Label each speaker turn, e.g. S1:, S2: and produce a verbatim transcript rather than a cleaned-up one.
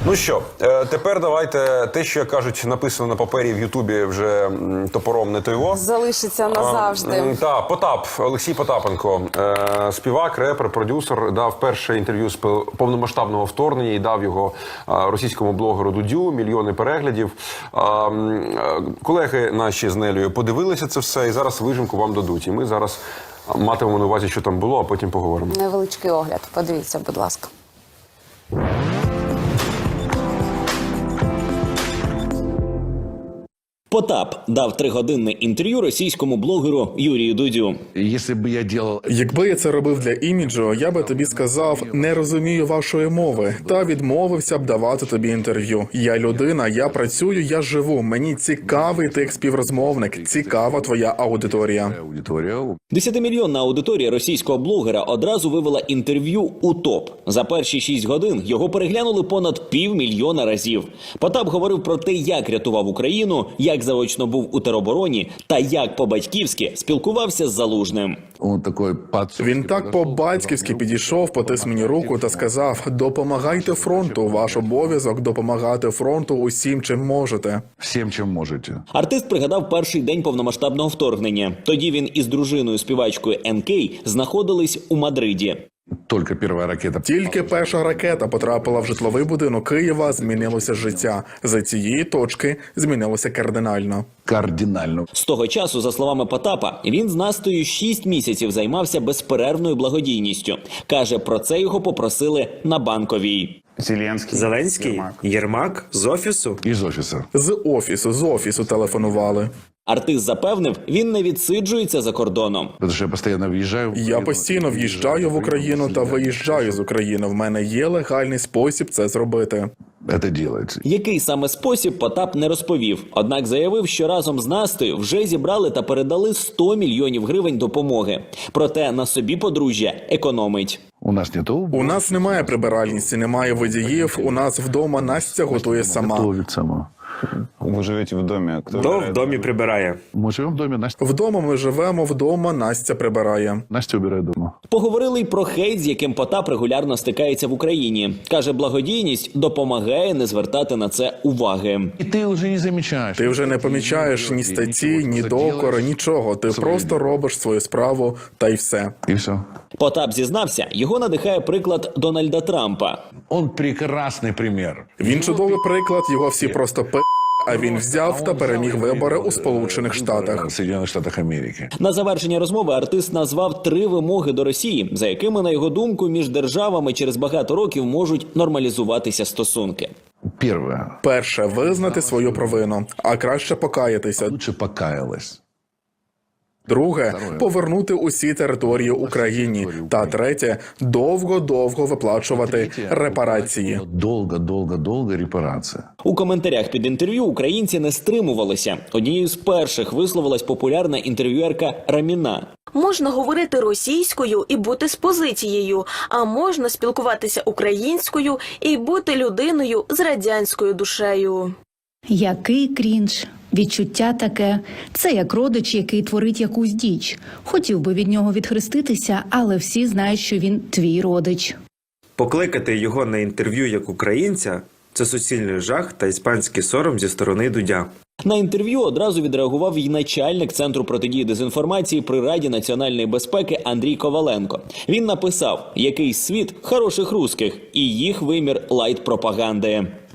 S1: Ну що, тепер давайте те, що, як кажуть, написано на папері в Ютубі вже топором не тойво.
S2: Залишиться назавжди.
S1: Так, Потап, Олексій Потапенко, співак, репер, продюсер, дав перше інтерв'ю з повномасштабного вторгнення і дав його російському блогеру Дудю, мільйони переглядів. Колеги наші з Нелею подивилися це все і зараз вижимку вам дадуть. І ми зараз матимемо на увазі, що там було, а потім поговоримо.
S2: Невеличкий огляд. Подивіться, будь ласка.
S3: Потап дав тригодинне інтерв'ю російському блогеру Юрію Дудю.
S4: Якби я це робив для іміджу, я би тобі сказав, не розумію вашої мови, та відмовився б давати тобі інтерв'ю. Я людина, я працюю, я живу. Мені цікавий ти як співрозмовник, цікава твоя аудиторія.
S3: Десятимільйонна аудиторія російського блогера одразу вивела інтерв'ю у топ. За перші шість годин його переглянули понад півмільйона разів. Потап говорив про те, як рятував Україну, як заочно був у теробороні та як по-батьківськи спілкувався з Залужним.
S4: Він так по-батьківськи підійшов, потис мені руку та сказав: «Допомагайте фронту, ваш обов'язок допомагати фронту усім, чим можете».
S5: Всім, чим можете.
S3: Артист пригадав перший день повномасштабного вторгнення. Тоді він із дружиною співачкою ен кей знаходились у Мадриді.
S5: Тільки перша ракета.
S4: Тільки перша ракета потрапила в житловий будинок Києва, змінилося життя. За цієї точки змінилося кардинально.
S5: Кардинально.
S3: З того часу, за словами Потапа, він з Настею шість місяців займався безперервною благодійністю. Каже, про це його попросили на Банковій.
S6: Зеленський, Зеленський, Єрмак. Єрмак з офісу?
S5: Із офісу.
S4: З офісу, з офісу телефонували.
S3: Артист запевнив, він не відсиджується за кордоном.
S5: Тому що я постійно в'їжджаю.
S4: Я постійно в'їжджаю в Україну та виїжджаю з України. В мене є легальний спосіб це зробити.
S5: Це робиться.
S3: Який саме спосіб, Потап не розповів. Однак заявив, що разом з Настею вже зібрали та передали сто мільйонів гривень допомоги. Проте на собі подружжя економить.
S5: У нас не то.
S4: У нас немає прибиральниці, немає водіїв. У нас вдома Настя готує сама.
S5: Готовить сама.
S7: Ви живете в домі?
S6: Хто в домі прибирає?
S5: Ми живемо в домі, Настя.
S4: Вдома ми живемо, вдома Настя прибирає.
S5: Настя обирає дома.
S3: Поговорили й про хейт, з яким Потап регулярно стикається в Україні. Каже, благодійність допомагає не звертати на це уваги.
S5: І ти вже не замічаєш.
S4: Ти вже не помічаєш ні статті, ні докори, нічого. Ти просто робиш свою справу та й все.
S5: І все.
S3: Потап зізнався, його надихає приклад Дональда Трампа.
S5: Он прекрасний примір.
S4: Він чудовий приклад, його всі просто пи***, а він взяв та переміг вибори у Сполучених Штатах.
S5: Сполучених Штатах Америки.
S3: На завершення розмови артист назвав три вимоги до Росії, за якими, на його думку, між державами через багато років можуть нормалізуватися стосунки.
S5: Перше.
S4: Перше, визнати свою провину, а краще покаятися.
S5: Лучше покаялась.
S4: Друге, повернути усі території Україні. Та третє, довго-довго виплачувати репарації.
S5: Довго-довго-довго репарація.
S3: У коментарях під інтерв'ю українці не стримувалися. Однією з перших висловилась популярна інтерв'юерка Раміна.
S8: Можна говорити російською і бути з позицією, а можна спілкуватися українською і бути людиною з радянською душею.
S9: Який крінж. Відчуття таке. Це як родич, який творить якусь діч. Хотів би від нього відхреститися, але всі знають, що він твій родич.
S6: Покликати його на інтерв'ю як українця – це суцільний жах та іспанський сором зі сторони Дудя.
S3: На інтерв'ю одразу відреагував і начальник Центру протидії дезінформації при Раді національної безпеки Андрій Коваленко. Він написав, який світ хороших русських і їх вимір лайт-пропаганди.